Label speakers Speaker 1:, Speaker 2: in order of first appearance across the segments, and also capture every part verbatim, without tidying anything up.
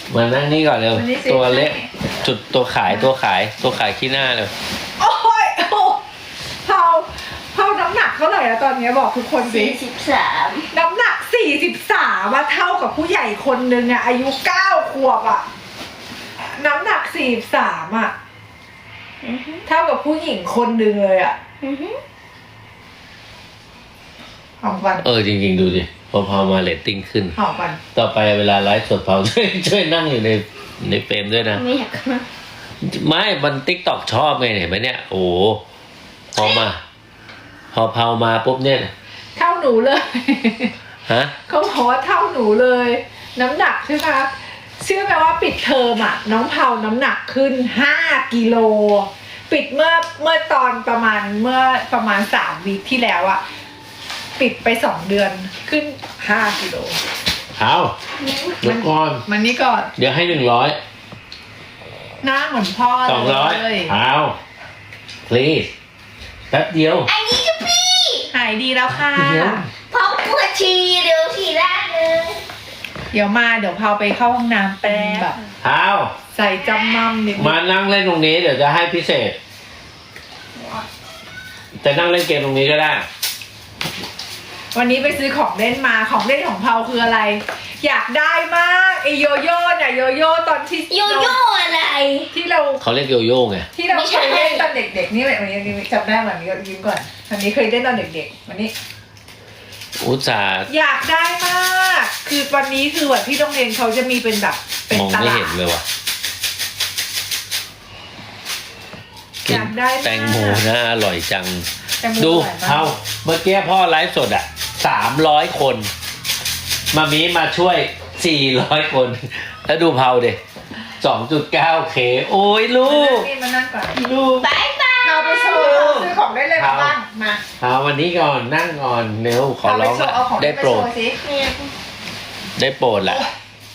Speaker 1: มานั่งนี่ก่อนเร็ว
Speaker 2: วันนี้สิ
Speaker 1: ตัวเล็กจุดตัวขายตัวขายตัวขายขี้หน้าเลย
Speaker 2: โอ้ยโอ้เผาเผาน้ำหนักเท่าไหร่แล้วตอนนี้บอกทุกคนสิ
Speaker 3: สี่สิบสาม
Speaker 2: น้ำหนักสี่สิบสามว่าเท่ากับผู้ใหญ่คนหนึ่งอะอายุเก้าขวบอะน้ำหนักสี่สิบสามอะเท่ากับผู้หญิงคนหนึ่งเลยอะหอมกัน
Speaker 1: เออจริงๆดูดิพอพอมาเรตติ้งขึ้น
Speaker 2: หอมกัน
Speaker 1: ต่อไปเวลาไลฟ์สดเผา ช่วยช่วยนั่งอยู่ในในเฟรมด้วยนะ
Speaker 3: ไม่อยากมา
Speaker 1: ไม่มันติ๊กตอกชอบไงเห็นไหมเนี่ย โอ้โหพอมา พอเผามาปุ๊บเนี่ย
Speaker 2: เท่าหนูเลย
Speaker 1: ฮะ
Speaker 2: เขาบอกว่าเท่าหนูเลย น้ำหนักใช่ไหมคะเชื่อไหมว่าปิดเทอมอ่ะ น้องเผาน้ำหนักขึ้นห้ากิโลปิดเมื่อเมื่อตอนประมาณเมื่อประมาณสามวีคที่แล้วอ่ะปิดไปสองเดือนขึ้นห้ากิโล
Speaker 1: เอาเดี๋ยวก่อน
Speaker 2: มันนี่ก่อน
Speaker 1: เดี๋ยวให้หนึ่งร้อย
Speaker 2: หน้าเหมือนพ่อ
Speaker 1: สองร้อย
Speaker 2: เลย
Speaker 1: เอา please แป๊บเดียว
Speaker 3: ไอ้นี่ก็พี่
Speaker 2: หายดีแล้วค่ะ
Speaker 1: เดี๋ยว
Speaker 3: พอปวดฉี่เดี๋ยวฉี่ราดเลย
Speaker 2: เดี๋ยวมาเดี๋ยวเผาไปเข้าห้องน้ำเป็นแบบ
Speaker 1: เอา
Speaker 2: ใส่จำมั่มนิดนึ
Speaker 1: มาง นั่งเล่นตรงนี้เดี๋ยวจะให้พิเศษจะนั่งเล่นเกมตรงนี้ก็ได้
Speaker 2: วันนี้ไปซื้อของเล่นมาของเล่นของเผาคืออะไร อยากได้มากไอโยโย่เนี่ยโยโย่ตอนที่
Speaker 3: โยโย่อะไร
Speaker 2: ที่เรา
Speaker 1: เขาเรียกโยโย่ไง
Speaker 2: ที่เรา
Speaker 3: ไม่
Speaker 2: เค
Speaker 3: ใช่
Speaker 2: ยเล่นตอนเด็กๆนี่วันนี้จำได้วันนี้ก็ยิ้มก่อนวันนี้เคยเล่นตอนเด็กๆวันนี้
Speaker 1: อุตส่าห์
Speaker 2: อยากได้มาก คือวันนี้คือวันที่โรงเรียนเขาจะมีเป็นแบบเป็น
Speaker 1: มอง
Speaker 2: ต
Speaker 1: ไม่
Speaker 2: ลา
Speaker 1: เห็
Speaker 2: ด
Speaker 1: นเลยว่ะ
Speaker 2: อยากได้มาก
Speaker 1: แตงโมน่าอร่อยจัง
Speaker 2: แตงโม
Speaker 1: ดู
Speaker 2: อร่อยมาก
Speaker 1: เอาเมื่อกี้พ่อไลฟ์สดอ่ะสามร้อยคน มามีมาช่วยสี่ร้อยคน แล้วดูเผาเด็สองจุดเก้าเคโอ้ยลู
Speaker 2: มานั่ง
Speaker 1: ก
Speaker 2: นี่มานั่งก่อน
Speaker 1: ลูก
Speaker 3: บายบาย
Speaker 2: เราไปโชว์ซื้อของได้เลยมาบ้างมา
Speaker 1: เอาวันนี้ก่อนนั่งก่อนเร็วขอ
Speaker 2: เอาไป
Speaker 1: ร้อง
Speaker 2: โชว์เอาของ
Speaker 1: ได้
Speaker 2: ไป
Speaker 1: โปร
Speaker 2: โช
Speaker 1: ด
Speaker 2: ว์สิ
Speaker 3: เนี่ย
Speaker 1: ได้โปรดแหละ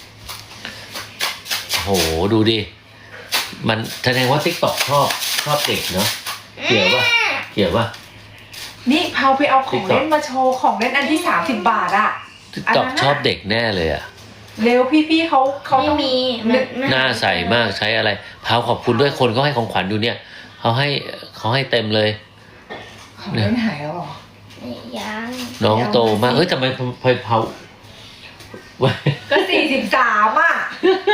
Speaker 1: โหดูดิ มันแสดงว่าทิกตอกชอบชอบเด็กเนาะเกี่ยวป่ะเกี่ยวป่ะ
Speaker 2: นี่เผาไปเอาของเล่นมาโชว์ของเล่นอันที่สามสิบบาทอะ
Speaker 1: ทิกตอกชอบเด็กแน่เลยอ่ะ
Speaker 2: เร็วพี่ๆเขาเขา
Speaker 3: ไม่
Speaker 2: ต้อง
Speaker 3: มีมัน
Speaker 1: หน้าใสมากใช้อะไรพาวขอบคุณด้วยคนก็ให้ของขวัญอยู่เนี่ยเขาให้เขาให้เต็มเลย
Speaker 2: ของเล่นหายแล้วเหรอ
Speaker 3: ยัง
Speaker 1: น้องโตมากเอ้ยทำไมพายเผา
Speaker 2: ก็สี่สิบสามอ่ะ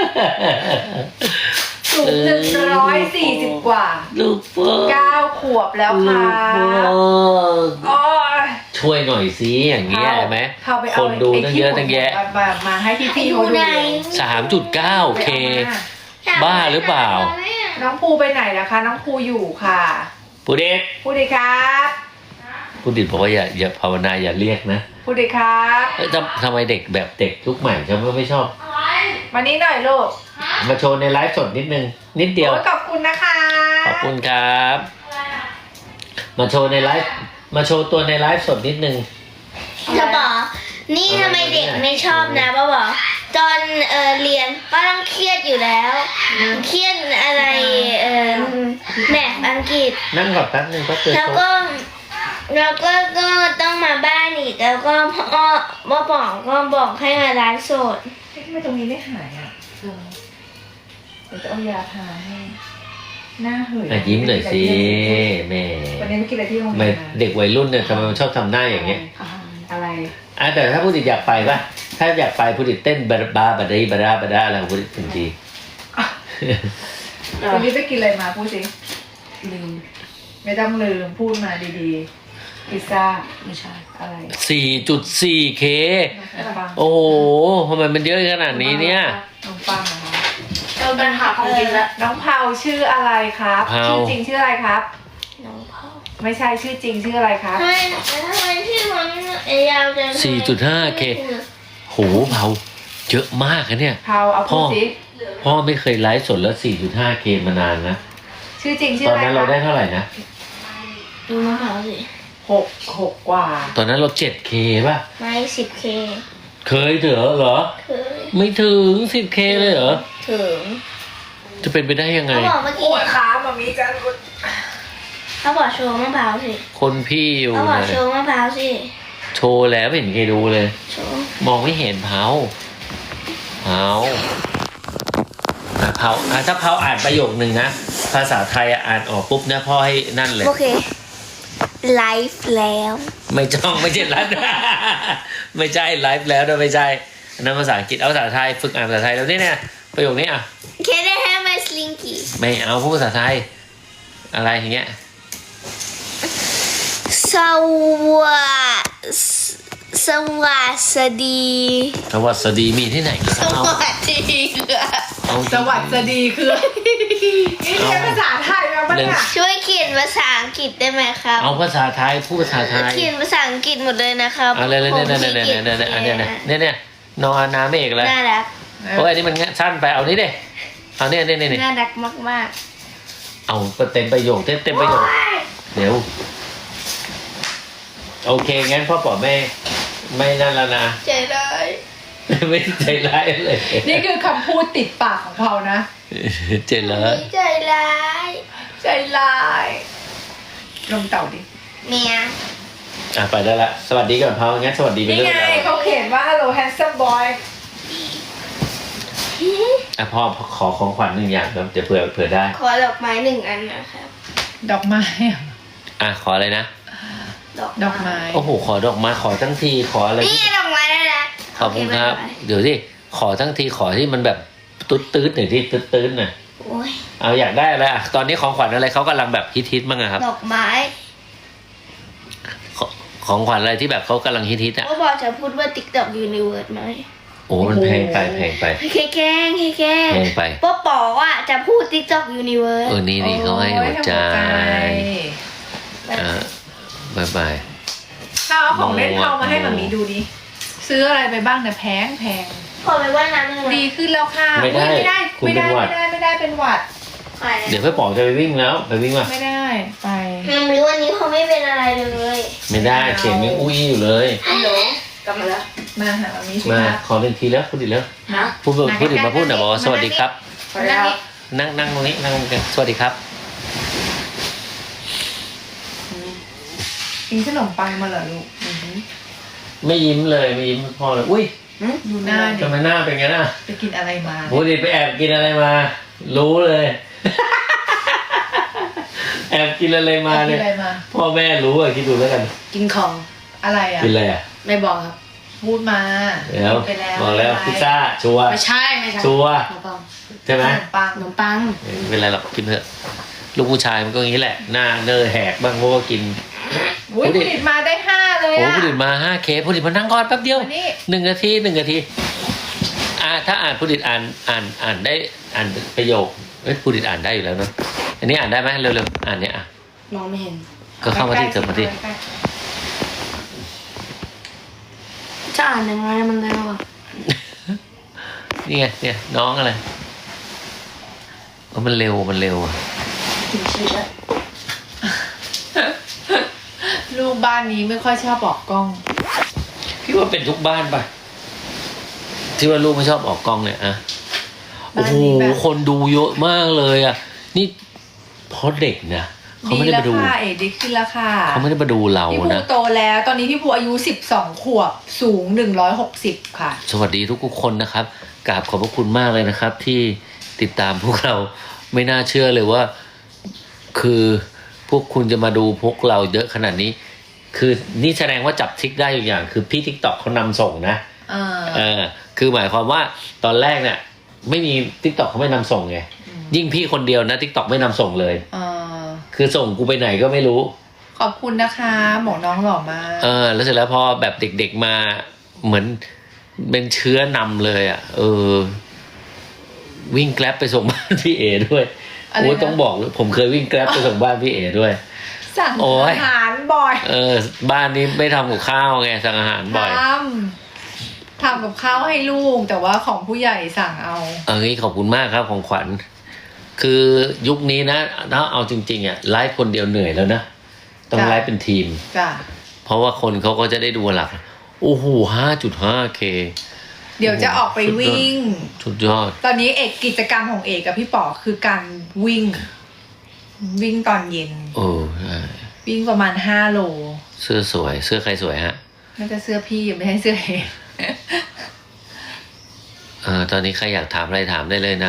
Speaker 2: สูงหนึ่งร้อยสี่สิบกว่า
Speaker 1: ลูกเฟิร์
Speaker 2: เก้าขวบแล้ว
Speaker 1: ลู
Speaker 2: ค่ะ
Speaker 1: กเฟิร์
Speaker 2: โอ้ย
Speaker 1: ช่วยหน่อยสิอย่างเงี้ยเห็นไหม
Speaker 2: เข้าไป
Speaker 1: ค
Speaker 2: เอา
Speaker 1: นดูตั้งเยอะ
Speaker 2: ไที่
Speaker 1: ตั้งแยะ
Speaker 2: มามามาให้พี่ๆเขาดูเลย
Speaker 1: สามจุดเก้าเค บ้าหรือเปล่า
Speaker 2: น้องภูไปไหนล่ะคะ น้องภูอยู่ค่ะ
Speaker 1: ผู้เด็ก
Speaker 2: พูดดีครับ
Speaker 1: ผู้ดิดบอกว่าอย่าอย่าภาวนาอย่าเรียกนะ
Speaker 2: พูดดีครับ
Speaker 1: เอ้ยทำทำไมเด็กแบบเด็กยุคใหม่ฉันก็ไม่ชอบ
Speaker 2: มานี้หน่อยลูก
Speaker 1: มาโชว์ในไลฟ์สดนิดนึง นิดเดียว
Speaker 2: โอ้ยขอบคุณนะคะ
Speaker 1: ขอบคุณครับ มาโชว์ในไลฟ์มาโชว์ตัวในไลฟ์สดนิดนึง
Speaker 3: จะบอกนี่ทำไมเด็กไม่ชอบนะป้าบอกตอนเออเรียนป้าต้องเครียดอยู่แล้ว เครียดอะไรเออแมทอังกฤษ
Speaker 1: นั่งก่อนแป๊บนึงก็เจอ
Speaker 3: แล้ว
Speaker 1: โช
Speaker 3: ก็
Speaker 1: ว์
Speaker 3: แล้วก็ก็ต้องมาบ้านอีกแล้วก็พ่อพ่อบอกก็บอกให้มาไลฟ์สด
Speaker 2: ทำไมตรงนี้ไม่หายอ่ะเออเดี๋ยวจะเอายาทาให้หน้าเหื่อย
Speaker 1: อ่ะยิ้มหน่อยสิแม่
Speaker 2: วันนี้ไม่กินอะไรที่โรง
Speaker 1: ไม่
Speaker 2: เรียนมา
Speaker 1: เด็กวัยรุ่นเนี่ยทำไมมันชอบทำหน้าอย่างเงี้ย
Speaker 2: อะไร
Speaker 1: อ่ะแต่ถ้าผู้ดิดอยากไปป่ะ ถ้าอยากไปผู้ดิดเต้นบาบาบาดาบาดาบาดาอะไรของผู้ดิดถึงที
Speaker 2: วันนี้ไปกินอะไรมาพูดสิลืมไม่ต้องลืมพูดมาดีๆพิซซ่าไม่ใช่อะไร
Speaker 1: สี่จุดสี่เค
Speaker 2: ขนมปัง
Speaker 1: โอ้โหทำไมมันเยอะขนาดนี้เนี่ย
Speaker 2: ขนมปังนะคะ
Speaker 3: เราเป็นหาของกินละ
Speaker 2: น้องเผาชื่ออะไรครับ
Speaker 1: เผา
Speaker 2: ชื่อจริงชื่ออะไรครับ
Speaker 3: น้องพ่อ
Speaker 2: ไม่ใช่ชื่อจริงชื่ออะไรครับ
Speaker 3: ทำไมทำไมพี่มันยาวจัง
Speaker 1: สี่จุดห้าเค โหเผาเยอะมากนะเนี่ย
Speaker 2: เผาเอาพูดสิ
Speaker 1: พ่อไม่เคยไลฟ์สดแล้ว สี่จุดห้าเค มานานนะ
Speaker 2: ชื่อจริงชื่อ
Speaker 1: ตอน
Speaker 2: อะไร
Speaker 1: นั้น
Speaker 2: ค
Speaker 1: เรา
Speaker 2: รับ
Speaker 1: ได้เท่าไหร่นะ
Speaker 3: ดูมะพร้าวสิ
Speaker 2: หกหกกว่า
Speaker 1: ตอนนั้นเรา เจ็ดเค ป่ะ
Speaker 3: ไม่สิบเค
Speaker 1: เคยเถอะเหรอ
Speaker 3: เคย
Speaker 1: ไม่ถึง สิบเค เลยเหรอ
Speaker 3: ถึง
Speaker 1: จะเป็นไปได้ยังไง
Speaker 3: เขาบอกเมื่อ
Speaker 2: โอ้
Speaker 3: กี้
Speaker 2: ยขามามีจัน
Speaker 3: เขาบอกโชว์มะพร้าวสิ
Speaker 1: คนพี่อยู่
Speaker 3: เขาบอก
Speaker 1: นะ
Speaker 3: โชว์มะพร้าวสิ
Speaker 1: โชว์แล้วไม่เห็นเคยดูเลย
Speaker 3: โชว์
Speaker 1: มองไม่เห็นเผาเผาเผาอ่ะถ้าเผาอ่านประโยคนึงนะภาษาไทยอ่านออกปุ๊บเนี่ยพ่อให้นั่นเลย
Speaker 3: โอเคไลฟ์แล้ว
Speaker 1: ไม่จ้องไม่ใช่รัด ไม่ใช่ไลฟ์แล้วนะไม่ใช่อันนั้นภาษาอังกฤษเอาภาษาไทยฝึกอ่านภาษาไทยแล้วนี่เนี่ยประโยคนี้อ่ะ
Speaker 3: Can I have my slinky
Speaker 1: ไม่เอาพูดภาษาไทยอะไรอย่างเงี้ย
Speaker 3: สวัสสวัสดี
Speaker 1: สวัสดีมีที่ไหน
Speaker 3: สวัสดีค่ะ
Speaker 1: เอา
Speaker 2: สวัสดีคือนี่เรียนภาษาไทยมาปะเนี่ย
Speaker 3: ช่วยเขียนภาษาอังกฤษได้ไหมครับ
Speaker 1: เอาภาษาไทยพูดภาษาไทย
Speaker 3: เขียนภาษาอังกฤษหมดเลยนะครับ
Speaker 1: เอาเลยเลยเนี่ยเนี่ยเนี่ยเนี่ยเนี่ยเนี่ยเนี่ยเนี่ยนอนน้ำเอกเลย
Speaker 3: น่ารัก
Speaker 1: โอ้ยอันนี้มันสั้นไปเอานี้ดิเอาเนี่ยเนี่ยเนี่ย
Speaker 3: น่ารักมาก
Speaker 1: เอาเต็มประโยคเต็มเต็มประโยคเดี๋ยวโอเคงั้นพ่อป๋อไม่ไม่นั่นแล้วนะ
Speaker 3: ๆใจร้าย
Speaker 1: ไม่ใจร้ายเลย
Speaker 2: นี่คือคำพูดติดปากของเขานะ
Speaker 1: ใจร้าย
Speaker 3: ใจร้าย
Speaker 2: ใจร้ายลงเต่าดิ
Speaker 3: เมีย
Speaker 1: อ่ะไปได้ละสวัสดีก่อนพ่องั้นสวัสดีไป
Speaker 2: นี่
Speaker 1: เรื่อ
Speaker 2: ไง
Speaker 1: ย
Speaker 2: เขาเขียนว่า hello handsome boy
Speaker 1: อ่ะพ่อขอของขวัญหนึ่งอย่างครับจะเผื่อเผื่อได้
Speaker 3: ขอดอกไม้หนึ่งอันนะครับ
Speaker 2: ดอกไม้อะ
Speaker 1: อ่ะขออะไรนะ
Speaker 2: ดอกไม้
Speaker 1: โอ้โหขอดอกไม้ขอทั้งทีขออะไร
Speaker 3: นี่ดอกไม้ได้แล้ว
Speaker 1: ขอบคุณครับเดี๋ยวที่ขอทั้งทีขอที่มันแบบตุ๊ดตื้ดหน่อยที่ตุ๊ดตื้ดหน่อย
Speaker 3: โอ้ย
Speaker 1: เอาอยากได้อะไรอ่ะตอนนี้ของขวัญอะไรเขากำลังแบบฮิตฮิตๆมั้งอะครับ
Speaker 3: ดอกไม้
Speaker 1: ขอของขวัญอะไรที่แบบเขากำลังฮิตฮิตๆอ่ะ
Speaker 3: ก็บอกจะพูดว่า TikTok Universe ไหม
Speaker 1: โอ้มันแพงไปแพงไป
Speaker 3: แค่แกล้งแค่แกล้ง
Speaker 1: แพงไป
Speaker 3: ป้าป๋ออ่ะจะพูด TikTok Universe
Speaker 1: เออนี่นี่เขาให้หัวใจ
Speaker 2: โอ้ย
Speaker 1: อ่าบายบาย
Speaker 2: ถ้าเอาของเล่นเขามาให้หมามีดูดิ ซื้ออะไรไปบ้างเนี่ยแพงแพง
Speaker 3: ขอไปว่ายน้ำหนึ่ง
Speaker 2: ดีขึ้นแล้วค่ะ
Speaker 1: ไม่ได้
Speaker 2: อุ๊ยไม่ได้
Speaker 1: คุณ
Speaker 2: ไม่
Speaker 1: เป็น
Speaker 2: ได้
Speaker 1: หวัด
Speaker 2: ไม่ได้ไม่ได้เป็นหวัด
Speaker 1: เดี๋ยวพี่ป๋องจะไปวิ่งแล้วไปวิ่งมา
Speaker 2: ไม่ได้ไป
Speaker 3: ยังรู้วันนี้เขาไม่เป็นอะไรเลย
Speaker 1: ไม่ได้เสียงยังอุ้ยอยู่เลย
Speaker 3: ฮัลโหลกลับมาแล้ว
Speaker 2: มาหาหมามีสิ
Speaker 1: มา
Speaker 2: คะ
Speaker 1: ขอหนึ่งทีแล้วพูดอีกแล้ว
Speaker 3: ฮะ
Speaker 1: พูดพูดอีกมาพูดหน่อยบอกว่าสวัสดีครับ
Speaker 3: ขอแล้ว
Speaker 1: นั่งนั่งตรงนี้นั่งตรงนี้สวัสดีครับ
Speaker 2: กินขนมปังมาเหรอลูกอือหือ
Speaker 1: ไม่ยิ้มเลยไม่ยิ้มพ่อเลยอุ้ย
Speaker 2: ดูหน้าดิ
Speaker 1: ทำไมหน้าเป็นไงน่ะ
Speaker 2: ไปกินอะไรมา
Speaker 1: พูดดิไปแอบกินอะไรมา รู้เลย แอบกินอะไรมา
Speaker 2: ไปกิ
Speaker 1: เนี่
Speaker 2: น
Speaker 1: ย
Speaker 2: อะไรมา
Speaker 1: พ่อแม่รู้อ่ะคิดดูแล้วกัน
Speaker 3: กินของ
Speaker 2: อะไรอ่ะ
Speaker 1: กินอะไรอ่ะ
Speaker 3: ไม่บอกครับ
Speaker 2: พูดมา
Speaker 1: เดี๋ยว
Speaker 2: กินไปแล้ว
Speaker 1: บอกแล้ว
Speaker 2: อะไร
Speaker 1: พิซซ่าชัวร์
Speaker 3: ไม่ใช่ไม่ใช่
Speaker 1: ชัวร์
Speaker 3: ขนมปัง
Speaker 1: ใช่ไหม
Speaker 2: ขนมปัง
Speaker 3: ขนมปัง
Speaker 1: ไม่เป็นไรหรอกกินเถอะลูกผู้ชายมันก็อย่างนี้แหละ หน้าเนอแหกบ้างเพราะว่ากิน
Speaker 2: อุ้ย
Speaker 1: พูดดิ
Speaker 2: ผลิตมาได้ห้าเลย
Speaker 1: โอ้
Speaker 2: อ่ะ
Speaker 1: ผู้ดิตมาห้าเคผู้ดิตมานั่งก่อนแป๊บเดียว
Speaker 2: วันนี้
Speaker 1: หนึ่งนาทีหนึ่งนาทีอ่าถ้าอ่านผู้ดิตอ่านอ่านอ่านได้อ่านประโยคเอ้ยผู้ดิตอ่านได้อยู่แล้วเนอะอันนี้อ่านได้ไหมเร็วๆอ่านเนี่ยอ่ะ
Speaker 3: มองไม่เห็น
Speaker 1: ก็เข้ามาที่เกิดมาที่
Speaker 2: ใกล้
Speaker 3: จะอ่านยังไงมันเร็วอ่ะ
Speaker 1: นี่ไงเนี่ยน้องอะไรเออมันเร็วมันเร็วอะ
Speaker 3: ถึงชื่อแล้ว
Speaker 2: ๆลูกบ้านนี้ไม่ค่อยชอบออกกล้อง
Speaker 1: พี่ว่าเป็นทุกบ้านปะที่ว่าลูกไม่ชอบออกกล้องเนี่ยอะโอ้
Speaker 2: บ้าน
Speaker 1: โห
Speaker 2: นี้แบบ
Speaker 1: คนดูเยอะมากเลยอะนี่เพราะเด็กนะเขาไม่ได้มาดู
Speaker 2: แล้วค่ะเอ็ดดีขึ้นแล้วค่ะ
Speaker 1: เขาไม่ได้มาดูเรา
Speaker 2: พี่ภู
Speaker 1: นะ
Speaker 2: โตแล้ว ตอนนี้พี่ภูอายุสิบสองขวบสูงหนึ่งร้อยหกสิบค่ะ
Speaker 1: สวัสดีทุกๆคนนะครับกราบขอบพระคุณมากเลยนะครับ ที่ติดตามพวกเราไม่น่าเชื่อเลยว่า คือพวกคุณจะมาดูพวกเราเยอะขนาดนี้ คือนี่แสดงว่าจับทิกได้อยู่อย่าง คือพี่ทิกตอกเขานำส่งนะ
Speaker 2: เออ
Speaker 1: เออคือหมายความว่าตอนแรกเนี่ยไม่มีทิกตอกเขาไม่นำส่งไงยิ่งพี่คนเดียวนะทิกตอกไม่นำส่งเลย
Speaker 2: เออ
Speaker 1: คือส่งกูไปไหนก็ไม่รู้
Speaker 2: ขอบคุณนะคะหมอน้องหล่อมาก
Speaker 1: เออ แล้วเสร็จแล้วพอแบบเด็กๆมาเหมือนเป็นเชื้อนำเลยอ่ะ เออ วิ่งแกร็บไปส่งบ้านพี่เอด้วย
Speaker 2: อะไรนะ
Speaker 1: โอ้ยต้องบอกเลยผมเคยวิ่งแกร็บไปส่งบ้านพี่เอด้วย
Speaker 2: สั่ง
Speaker 1: โอ้ย
Speaker 2: อาหารบ่อย
Speaker 1: เออ บ้านนี้ไม่ทำกับข้าวไงสั่งอาหารบ่อย
Speaker 2: ทำทำกับข้าวให้ลูก แต่ว่าของผู้ใหญ่สั่งเอา
Speaker 1: เออขอบคุณมากครับของขวัญ คือยุคนี้นะถ้าเอาจริงๆอ่ะไลฟ์คนเดียวเหนื่อยแล้วนะ ต้อง
Speaker 2: จ้ะ
Speaker 1: ไลฟ์เป็นทีม
Speaker 2: จ้ะ
Speaker 1: เพราะว่าคนเขาก็จะได้ดูหลัก โอ้โหห้าจุดห้าเค
Speaker 2: เดี๋ยวจะออกไปวิ่ง
Speaker 1: สุดยอด
Speaker 2: ตอนนี้เอกกิจกรรมของเอกกับพี่ป๋อคือการวิ่ง วิ่งตอนเย็น
Speaker 1: โอ้ใช่
Speaker 2: วิ่งประมาณห้าโล
Speaker 1: เสื้อสวย เสื้อใครสวยฮะ
Speaker 2: น่าจะเสื้อพี่ไม่ใช่เสื้อเอก
Speaker 1: เออตอนนี้ใครอยากถามอะไรถามได้เลยนะ ก็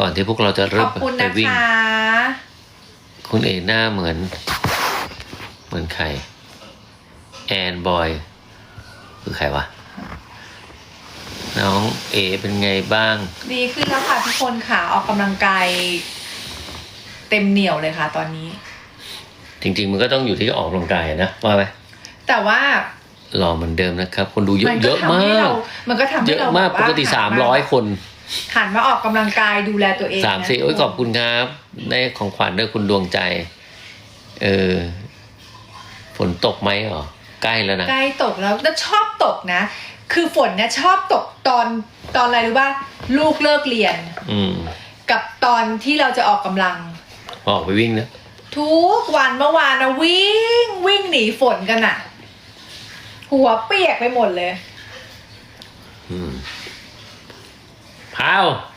Speaker 1: ก่อนที่พวกเราจะ
Speaker 2: ข
Speaker 1: เริ่
Speaker 2: อ
Speaker 1: ม
Speaker 2: บคุณ
Speaker 1: ไป
Speaker 2: นะ
Speaker 1: วิ่ง
Speaker 2: คะ
Speaker 1: คุณเอหน้าเหมือน เหมือนใครแอนบอยคือใครวะน้องเอเป็นไงบ้าง
Speaker 2: ดีขึ้นแล้วค่ะทุกคนค่ะออกกำลังกายเต็มเหนียวเลยค่ะ ตอนนี้
Speaker 1: จริงๆมันก็ต้องอยู่ที่ออกกำลังกายนะว่าไหม
Speaker 2: แต่ว่า
Speaker 1: รอเหมือนเดิมนะครับ คนดูเยอะ
Speaker 2: มัน
Speaker 1: เย
Speaker 2: ก็
Speaker 1: อะ
Speaker 2: ทำ
Speaker 1: มา
Speaker 2: ให้
Speaker 1: ก
Speaker 2: เรามันก็ทำ
Speaker 1: เย
Speaker 2: ให้
Speaker 1: อะ
Speaker 2: เรา
Speaker 1: มาก
Speaker 2: แบบ
Speaker 1: ป
Speaker 2: ว่
Speaker 1: กติสามร้อยคน
Speaker 2: หันมาออกกำลังกายดูแลตัวเอง
Speaker 1: สามสี่
Speaker 2: นะ
Speaker 1: โอ้ยขอบคุณครับได้ของขวัญด้วยคุณดวงใจ เออ ฝนตกไหมเหรอ ใกล้แล้วนะ
Speaker 2: ใกล้ตกแล้วแล้วชอบตกนะ คือฝนเนี่ยชอบตกตอนตอนอะไรรู้ป่ะลูกเลิกเรียน
Speaker 1: อืม
Speaker 2: กับตอนที่เราจะออกกำลัง
Speaker 1: ออกไปวิ่งนะ
Speaker 2: ทุกวันเมื่อวานนะวิ่งวิ่งหนีฝนกันอะหัวเปียกไปหมดเลย
Speaker 1: อืมเผา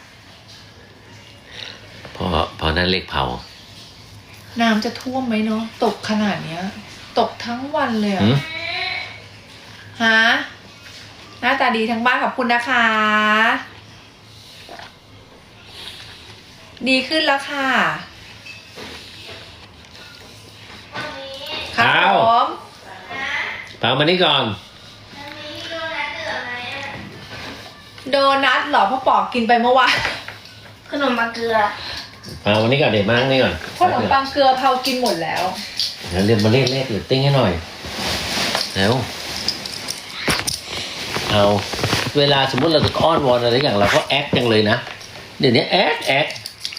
Speaker 1: พอพอนั่นเลขเผา
Speaker 2: น้ำจะท่วมไหมเนาะตกขนาดเนี้ย ตกทั้งวันเลยอะ
Speaker 1: หืม
Speaker 2: ฮะหน้าตาดีทั้งบ้านขอบคุณนะคะ ดีขึ้นแล้วค่ะครับผม
Speaker 1: เผามานี่ก่อน
Speaker 2: โดนัทเหรอพ่อปอกกินไปเมื่อวาน
Speaker 3: ขนมมาเกลือ
Speaker 1: เผามานี่ก่อนเดี๋ยวมานี่ก่อน
Speaker 2: ขนมปังเกลือเผากินหมดแล้ว
Speaker 1: เดี๋ยวเรียนมาเลขเลขหรือติ้งให้หน่อยแล้วเอาเวลาสมมติเราจะอ้อนวอนอะไรอย่างเราก็แอคจังเลยนะเดี๋ยวนี้แอคแอค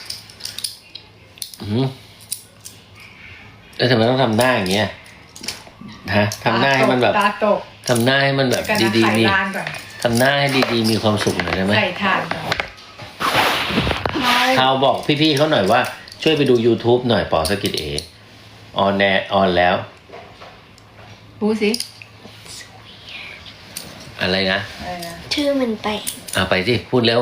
Speaker 1: อืมแล้วทำไมต้องทำหน้าอย่างเงี้ยฮะทำหน้าให้มันแบบ
Speaker 2: ตาตก
Speaker 1: ทำหน้าให้มันแบบ
Speaker 2: กันนะ
Speaker 1: ดี
Speaker 2: ไข่
Speaker 1: ๆมี
Speaker 2: ลานก่อน
Speaker 1: ทำหน้าให้ดีๆมีความสุขหน่อยได้ไหม
Speaker 2: ใส่ถ่านก่อน
Speaker 1: ข่าวบอกพี่ๆเขาหน่อยว่าช่วยไปดู YouTube หน่อยปอสกิจเอออนแนออนแล้ว
Speaker 2: พูดสิ
Speaker 1: อะไรนะ
Speaker 2: อะไรนะ
Speaker 3: ชื่อมันไป
Speaker 1: อ่ะไปสิพูดเร็ว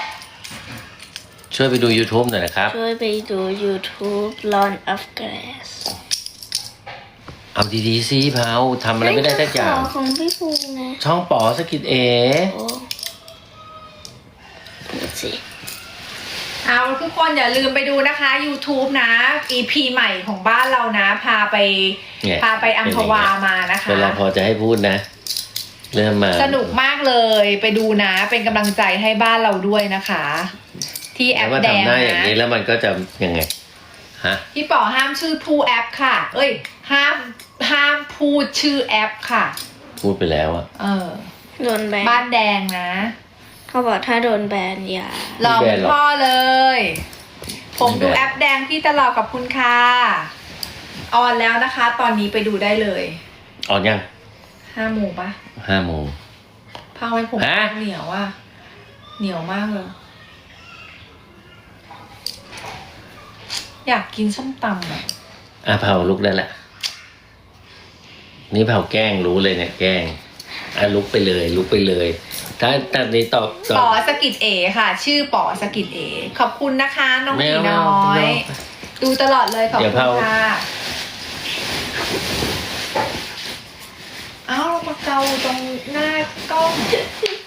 Speaker 1: ช่วยไปดู YouTube หน่อยนะครับ
Speaker 3: ช่วยไปดู YouTube Lawn of Grass
Speaker 1: เอาดีๆสิเผาทำอะไรไม่ได้สักอย่าง
Speaker 3: ขของพี่ภูมินะ
Speaker 1: ช่องปอสกิจเอ
Speaker 3: โอ้ดูสิ
Speaker 2: เอาทุกคนอย่าลืมไปดูนะคะ YouTube นะ อี พี ใหม่ของบ้านเรานะ พาไป
Speaker 1: เนี่ย
Speaker 2: พาไปอัมพวามานะคะ
Speaker 1: เวลาพอจะให้พูดนะ เริ่มมา
Speaker 2: สนุกมากเลยไปดูนะ เป็นกำลังใจให้บ้านเราด้วยนะคะ ที่แอ
Speaker 1: แล้ว
Speaker 2: ป
Speaker 1: มา
Speaker 2: แดง
Speaker 1: ทำหน้าอย่าง
Speaker 2: นะ
Speaker 1: นี้แล้วมันก็จะยังไงฮะ
Speaker 2: พี่ป๋อห้ามชื่อผู้แอปค่ะ เอ้ย ห้ามห้ามพูดชื่อแอปค่ะ
Speaker 1: พูดไปแล้วอะ
Speaker 2: เออ
Speaker 3: โดนแบน
Speaker 2: บ้านแดงนะ
Speaker 3: เขาบอกถ้าโดนแบนอย่า
Speaker 2: รอคุณพ่อเลย ผมดูแอปแดงพี่ตลอดกับคุณค่ะออนแล้วนะคะ ตอนนี้ไปดูได้เลย
Speaker 1: ออนยัง
Speaker 2: ห้าโมงปะ
Speaker 1: ห้าโมง
Speaker 2: ผ้าไว้ผม
Speaker 1: ฮะ
Speaker 2: เหนียวอ่ะ เหนียวมากเลย อยากกินส้มตำอ่ะ
Speaker 1: อ่ะเผาลุกได้ละนี่เผาแกล้งรู้เลยเนี่ยแกล้งอ่ะลุกไปเลย ลุกไปเลย ถ้าตอนนี้ตอบตอ
Speaker 2: ป๋อบ สกิดเอค่ะ ชื่อป๋อสกิดเอขอบคุณนะคะ น้อง
Speaker 1: ไม่
Speaker 2: ผี
Speaker 1: เอา
Speaker 2: น้อ
Speaker 1: ไม่
Speaker 2: ย
Speaker 1: เอา
Speaker 2: ดูตลอดเลยขอบ
Speaker 1: เดี๋
Speaker 2: คุ
Speaker 1: ยว
Speaker 2: ณ
Speaker 1: เผา
Speaker 2: ค่ะเอ้าเรามาเกาตรงหน้ากล้อง